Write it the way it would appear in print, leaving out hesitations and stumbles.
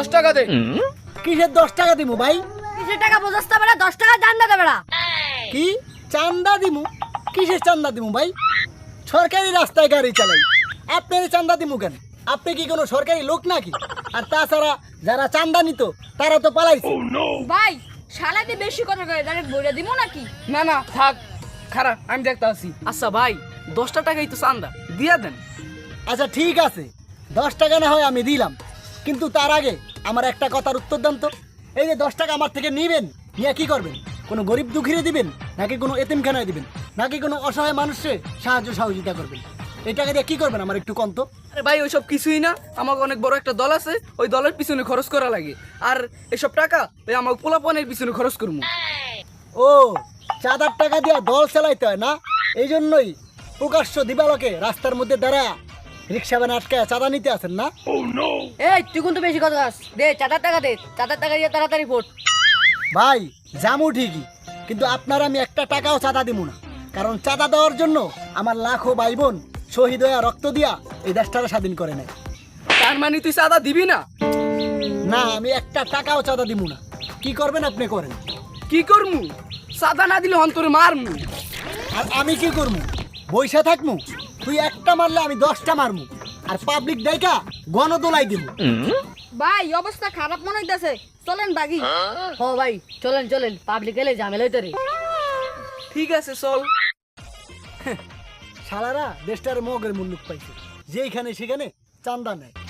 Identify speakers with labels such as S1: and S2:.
S1: 10 টাকা দে।
S2: কিসের 10 টাকা দিমু ভাই?
S3: কিসের টাকা বোঝাস্তা বেড়া? 10 টাকা চান্দা দে বেড়া।
S2: কি চান্দা দিমু? কিসের চান্দা দিমু ভাই? সরকারি রাস্তায় গাড়ি চালাই, আপনার চান্দা দিমু কেন? আপনি কি কোনো সরকারি লোক নাকি? আর তাছাড়া যারা চান্দা নিত তারা তো পালাইছে।
S3: ভাই শালাতে বেশি কথা কয়, ডাইরেক্ট বইরা দিমু নাকি?
S1: না না থাক, খারাপ আমি দেখতে আসি। আচ্ছা ভাই 10 টাকাই তো চান্দা দিয়া দেন।
S2: আচ্ছা ঠিক আছে, 10 টাকা না হয় আমি দিলাম, কিন্তু তার আগে আমার একটা কথার উত্তর দেন তো। এই যে 10 টাকা আমার থেকে নিবেন, নিয়ে কি করবেন? কোনো গরিব দুঃখীরে দিবেন, নাকি কোনো এতিমখানায় দিবেন, নাকি কোনো অসহায় মানুষকে সাহায্য সহযোগিতা করবেন? এই টাকা দিয়ে কি করবেন আমার একটু কন্ত।
S1: আরে ভাই ওইসব কিছুই না, আমাকে অনেক বড় একটা দল আছে, ওই দলের পিছনে খরচ করা লাগে। আর এসব টাকা ওই আমার পোলাপনের পিছনে খরচ করবো।
S2: ও, চাঁদার টাকা দিয়া দল চালাইতে হয় না? এই জন্যই প্রকাশ্য দিবালোকে রাস্তার মধ্যে দাঁড়ায় রিক্সা ভ্যান আটকায় চাঁদা নিতে আসেন না?
S3: এই তুই কিন্তু বেশি কথা কস। দে চাঁদার টাকা দে, চাঁদার টাকা দিয়ে তাড়াতাড়ি ভোট।
S2: ভাই জামু ঠিকই, কিন্তু আপনার আমি একটা টাকাও চাঁদা দিব না, কারণ চাঁদা দেওয়ার জন্য আমার লাখো ভাই বোন শহীদ হয়ে রক্ত দিয়া এই দেশটাকে স্বাধীন করে নেয়।
S1: তার মানে তুই চাঁদা দিবি না?
S2: না, আমি একটা টাকাও চাঁদা দিব না। কি করবেন আপনি করেন।
S1: কি করমু? চাঁদা না দিলে অন্তরে মারমু।
S2: আর আমি কি করবো? বইসা থাকমু? তুই একটা মারলে আমি 10টা মারমু, আর পাবলিক ডাইকা গণদোলাই দিব।
S3: ভাই অবস্থা খারাপ মনে হইতাছে, চলেন বাগি। হ ভাই চলেন চলেন, পাবলিক এলে ঝামেলা হইতে রে।
S1: ঠিক আছে চল।
S2: শালারা দেশটার মগের মুল্লুক পাইছে, যেইখানে সেখানে চান্দা নেয়।